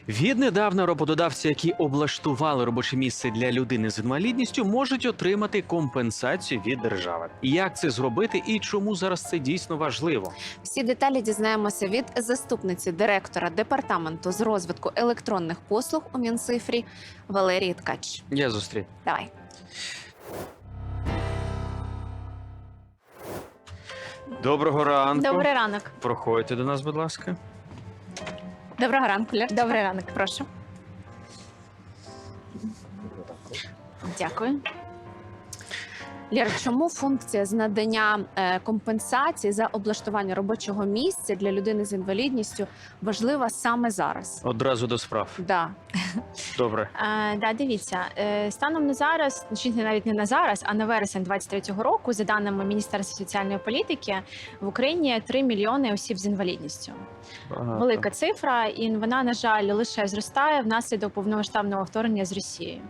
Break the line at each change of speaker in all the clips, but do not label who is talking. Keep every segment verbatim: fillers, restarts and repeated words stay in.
Віднедавна роботодавці, які облаштували робоче місце для людини з інвалідністю, можуть отримати компенсацію від держави. Як це зробити і чому зараз це дійсно важливо?
Всі деталі дізнаємося від заступниці директора департаменту з розвитку електронних послуг у Мінцифрі Валерії Ткач.
Я зустрів.
Давай.
Доброго ранку.
Добрий ранок.
Проходьте до нас, будь ласка.
Доброго ранку, Лєр.
Добрий ранок.
Прошу. Дякую. Лєр, чому функція з надання е, компенсації за облаштування робочого місця для людини з інвалідністю важлива саме зараз?
Одразу до справ.
Да.
Добре.
Е, да, дивіться, е, станом на зараз, чи навіть не на зараз, а на вересень двадцять третього року, за даними Міністерства соціальної політики, в Україні три мільйони осіб з інвалідністю.
Багато.
Велика цифра, і вона, на жаль, лише зростає внаслідок повномасштабного вторгнення з Росією.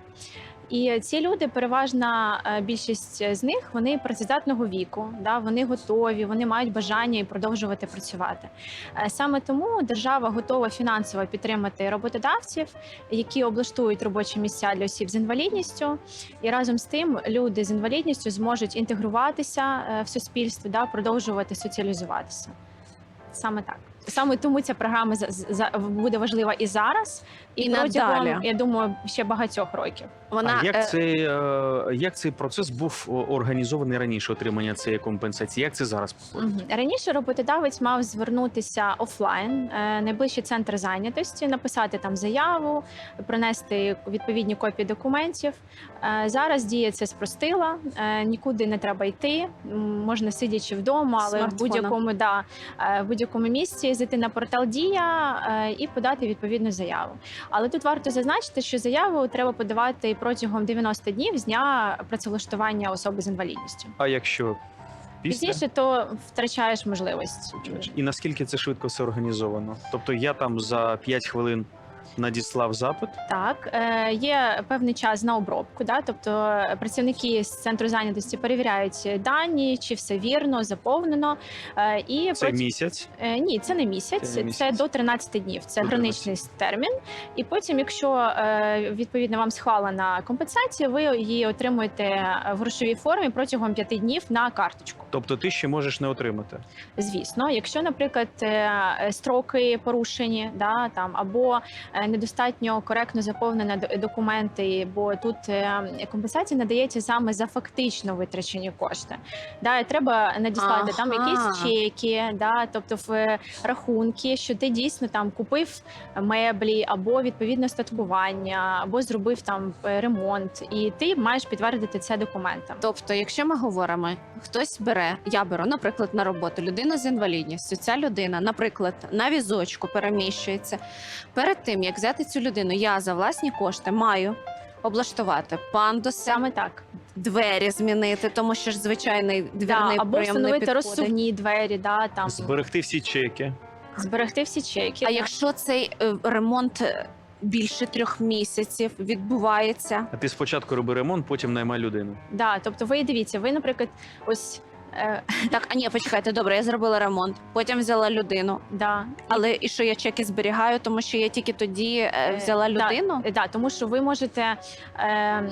І ці люди, переважна е, більшість з них, вони працездатного віку, да, вони готові, вони мають бажання і продовжувати працювати. Е, Саме тому держава готова фінансово підтримати роботодавців, які облаштують робочі місця для осіб з інвалідністю. І разом з тим люди з інвалідністю зможуть інтегруватися е, в суспільство, да, продовжувати соціалізуватися. Саме так. Саме тому ця програма за- за- буде важлива і зараз, і,
І
протягом,
надалі.
я думаю, ще багатьох років.
Вона
А як
е,
цей, е, як цей процес був о, організований раніше, отримання цієї компенсації? Як це зараз?
Мгм. Раніше роботодавець мав звернутися офлайн, е, найближчий центр зайнятості, написати там заяву, принести відповідні копії документів. Е, Зараз дія це спростила, е, нікуди не треба йти, м, можна сидячи вдома, але в
Смартфоном.
будь-якому да, е, в будь-якому місці зайти на портал Дія е, і подати відповідну заяву. Але тут варто зазначити, що заяву треба подавати протягом дев'яноста днів з дня працевлаштування особи з інвалідністю.
А якщо після?
Пізніше то втрачаєш можливість.
І наскільки це швидко все організовано? Тобто я там за п'ять хвилин надіслав запит?
Так, е, є певний час на обробку, да? Тобто працівники з центру зайнятості перевіряють дані, чи все вірно, заповнено. Е, і
Це
проти-
місяць?
Е, Ні, це не місяць,
Це
це,
не місяць.
до тринадцяти днів. Це
До
граничний термін. І потім, якщо е, відповідно вам схвалена компенсація, ви її отримуєте в грошовій формі протягом п'яти днів на карточку.
Тобто ти ще можеш не отримати?
Звісно, якщо, наприклад, е, строки порушені, да, там, або е, недостатньо коректно заповнені д- документи, бо тут е, компенсація надається саме за фактично витрачені кошти. Да, і треба надіслати там
Ага.
якісь чеки, да, тобто в е, рахунки, що ти дійсно там купив меблі, або відповідне статкування, або зробив там е, ремонт, і ти маєш підтвердити це документом.
Тобто, якщо ми говоримо, хтось бере, я беру, наприклад, на роботу людину з інвалідністю. Ця людина, наприклад, на візочку переміщується. Перед тим як взяти цю людину, я за власні кошти маю облаштувати пандуси,
Саме так.
двері змінити, тому що ж звичайний
Да,
двірний
або
прийом не
встановити
підходить.
розсувні двері, да, там
Зберегти всі чеки.
зберегти всі чеки.
А
да.
якщо цей е, ремонт е, більше трьох місяців відбувається,
А ти спочатку роби ремонт, потім наймай людину.
Да, тобто ви дивіться, ви, наприклад, ось е,
так, а ні, почекайте, добре, я зробила ремонт, потім взяла людину.
да,
Але і що я чеки зберігаю, тому що я тільки тоді е, взяла
Е, да,
людину?
е, да, тому що ви можете е,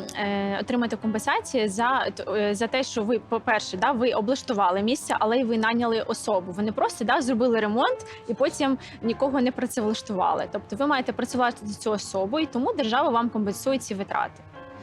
е, отримати компенсацію за, т- е, за те, що ви, по-перше, да, ви облаштували місце, але й ви наняли особу. Ви не просто да, зробили ремонт і потім нікого не працевлаштували. Тобто ви маєте працювати цю особу, і тому держава вам компенсує ці витрати.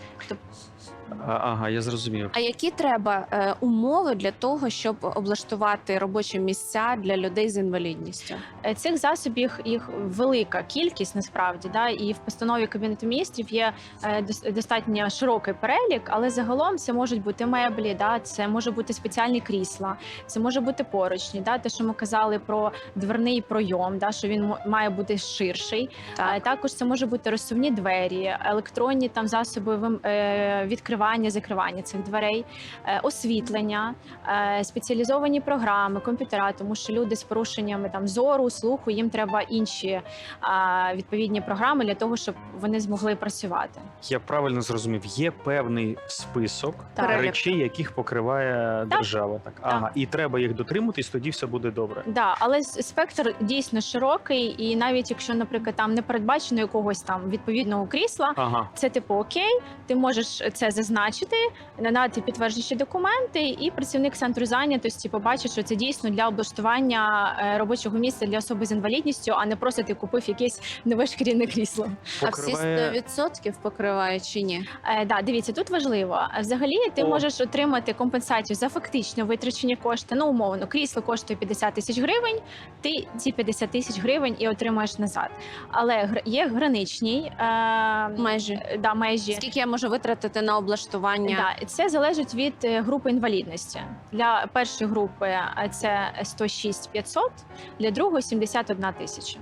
А, ага, я зрозумів.
А які треба е, умови для того, щоб облаштувати робочі місця для людей з інвалідністю?
Е, Цих засобів їх велика кількість насправді, да, і в постанові Кабінету міністрів є е, дос- достатньо широкий перелік, але загалом це можуть бути меблі, да, це може бути спеціальні крісла, це може бути поручні, да, те, що ми казали про дверний пройом, да, що він мо- має бути ширший.
Так.
Е, Також це може бути розсувні двері, електронні там засоби вим- е, відкривання відкривання, закривання цих дверей, е, освітлення, е, спеціалізовані програми, комп'ютера, тому що люди з порушеннями там зору, слуху, їм треба інші е, відповідні програми для того, щоб вони змогли працювати.
Я правильно зрозумів, є певний список
Так.
речей, яких покриває держава. Так, ага, і треба їх дотримуватись, тоді все буде добре.
Да, але с- спектр дійсно широкий, і навіть якщо, наприклад, там не передбачено якогось там відповідного крісла,
Ага.
це типу окей, ти можеш це зазначити, надати підтверджуючі документи, і працівник центру зайнятості побачить, що це дійсно для облаштування е, робочого місця для особи з інвалідністю, а не просто ти купив якесь нове шкіряне крісло.
А всі сто
Покриває...
відсотків покривають чи ні?
Е, да, дивіться, тут важливо. Взагалі, ти
О.
можеш отримати компенсацію за фактично витрачені кошти. Ну, умовно, крісло коштує п'ятдесят тисяч гривень, ти ці п'ятдесят тисяч гривень і отримаєш назад. Але гр- є граничні е,
Межі.
да, межі.
Скільки я можу витратити на облаштування?
Да, і це залежить від е, групи інвалідності. Для першої групи е, це сто шість п'ятсот, для другої сімдесят одна тисяча.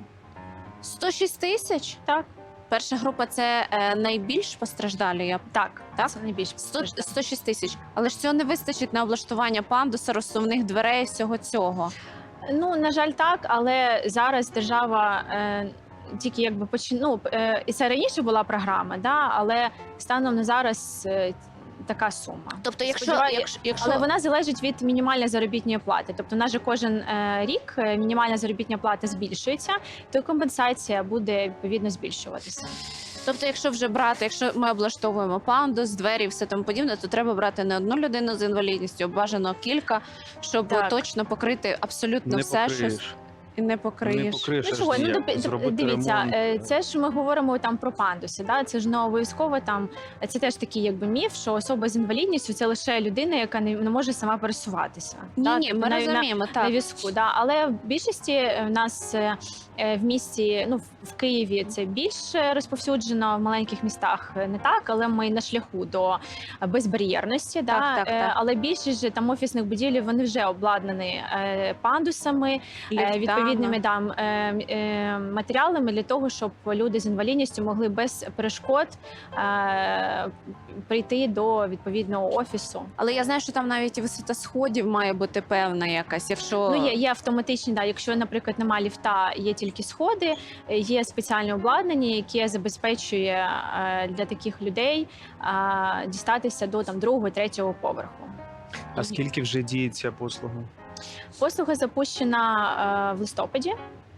сто шість тисяч?
Так,
Перша група це е, найбільш постраждалі. Я
так,
Так?
це найбільше.
сто, сто шість тисяч. Але ж цього не вистачить на облаштування пандуса, розсувних дверей, всього цього.
Ну, на жаль, так, але зараз держава е, тільки якби почин... ну, е, і це раніше була програма, да, але станом на зараз е, така сума.
Тобто, якщо,
Сподіваю-
якщо, якщо...
Але вона залежить від мінімальної заробітної плати. Тобто, у нас же кожен е, рік е, мінімальна заробітна плата збільшується, то й компенсація буде відповідно збільшуватися.
Тобто, якщо вже брати, якщо ми облаштовуємо пандус, двері і все тому подібне, то треба брати не одну людину з інвалідністю, а бажано кілька, щоб
Так.
точно покрити абсолютно
Не
все, що
покриєш.
і не
Не
покриєш.
покриєш.
Ну
аж
чого, ну
ніяк.
доп-
Зробити
дивіться,
ремонт.
е, це ж ми говоримо там про пандуси. Да? Це ж не обов'язково там. Це теж такий якби міф, що особа з інвалідністю це лише людина, яка не, не може сама пересуватися.
Ні,
да?
ні,
Тобто
ми
на-
розуміємо,
на,
так.
на візку. Да? Але в більшості е, в нас е, е, в місті, ну в- в Києві це більш розповсюджено, в маленьких містах е, не так, але ми на шляху до безбар'єрності. Да?
Так, так,
Е,
так.
Але більшість же там офісних будівель вони вже обладнані е, пандусами, е,
Ліфтами.
відповідними там е, е, матеріалами для того, щоб люди з інвалідністю могли без перешкод е, прийти до відповідного офісу.
Але я знаю, що там навіть і висота сходів має бути певна якась. Якщо
Ну є, є автоматичні, да. Якщо, наприклад, немає ліфта, є тільки сходи, е, є спеціальне обладнання, яке забезпечує е, для таких людей е, дістатися до там другого, третього поверху.
А скільки вже діє ця послуга?
Послуга запущена е, в листопаді.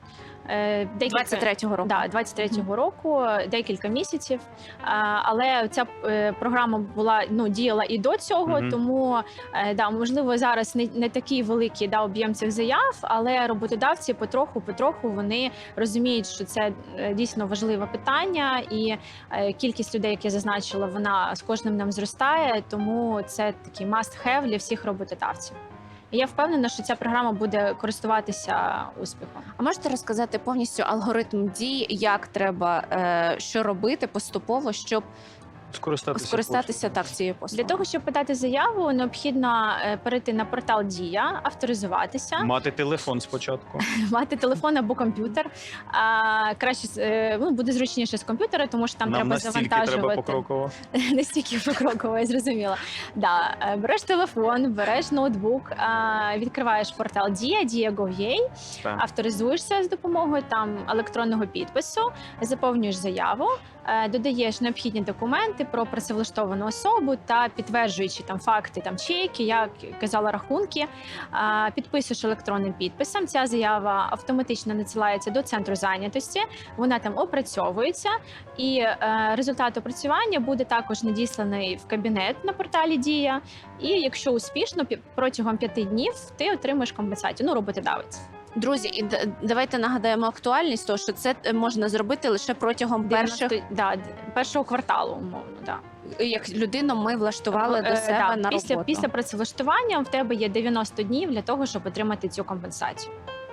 Е, декілька-
двадцять третього року.
Да, двадцять третього року, декілька місяців. А, Але ця е, програма була ну діяла і до цього,
Мгм.
тому е, да, можливо, зараз не, не такий великий да, об'єм цих заяв, але роботодавці потроху, потроху вони розуміють, що це е, дійсно важливе питання, і е, кількість людей, як я зазначила, вона з кожним днем зростає, тому це такий must-have для всіх роботодавців. І я впевнена, що ця програма буде користуватися успіхом.
А можете розказати повністю алгоритм дій, як треба е, що робити поступово, щоб
Скористатися.
скористатися так цією послугою?
Для того, щоб подати заяву, необхідно е, перейти на портал Дія, авторизуватися,
послугою. Мати телефон спочатку.
мати телефон або комп'ютер. А, краще з- е, ну, буде зручніше з комп'ютера, тому що там
Нам
треба
настільки треба
завантажувати.
покроково.
Настільки покроково, я зрозуміла. Да, е, береш телефон, береш ноутбук, а, відкриваєш портал Дія, дія точка гов точка ю а,
Так.
авторизуєшся з допомогою там електронного підпису, заповнюєш заяву, е, додаєш необхідні документи про працевлаштовану особу та підтверджуючи там факти, там чеки, як казала рахунки, е, підписуєш електронним підписом. Ця заява автоматично надсилається до центру зайнятості. Вона там опрацьовується, і е, результат опрацювання буде також надісланий в кабінет на порталі Дія. І якщо успішно, пі- протягом п'яти днів ти отримаєш компенсацію. Ну, роботодавець.
Друзі, і д- давайте нагадаємо актуальність, того, що це е, можна зробити лише протягом перших,
дев'яносто да, д- першого кварталу, умовно, да.
як людину ми влаштували до
Е,
себе
да,
на
після,
роботу.
після працевлаштування в тебе є дев'яносто днів для того, щоб отримати цю компенсацію.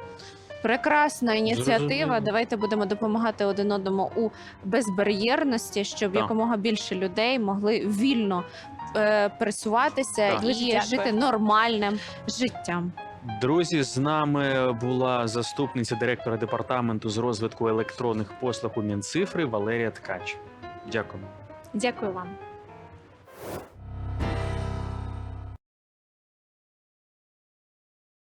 Прекрасна ініціатива.
Зрозуміло.
Давайте будемо допомагати один одному у безбар'єрності, щоб
Так.
якомога більше людей могли вільно е, пересуватися
Так.
і
Дуже дякую.
жити нормальним життям.
Друзі, з нами була заступниця директора департаменту з розвитку електронних послуг у Мінцифри Валерія Ткач. Дякую.
Дякую вам.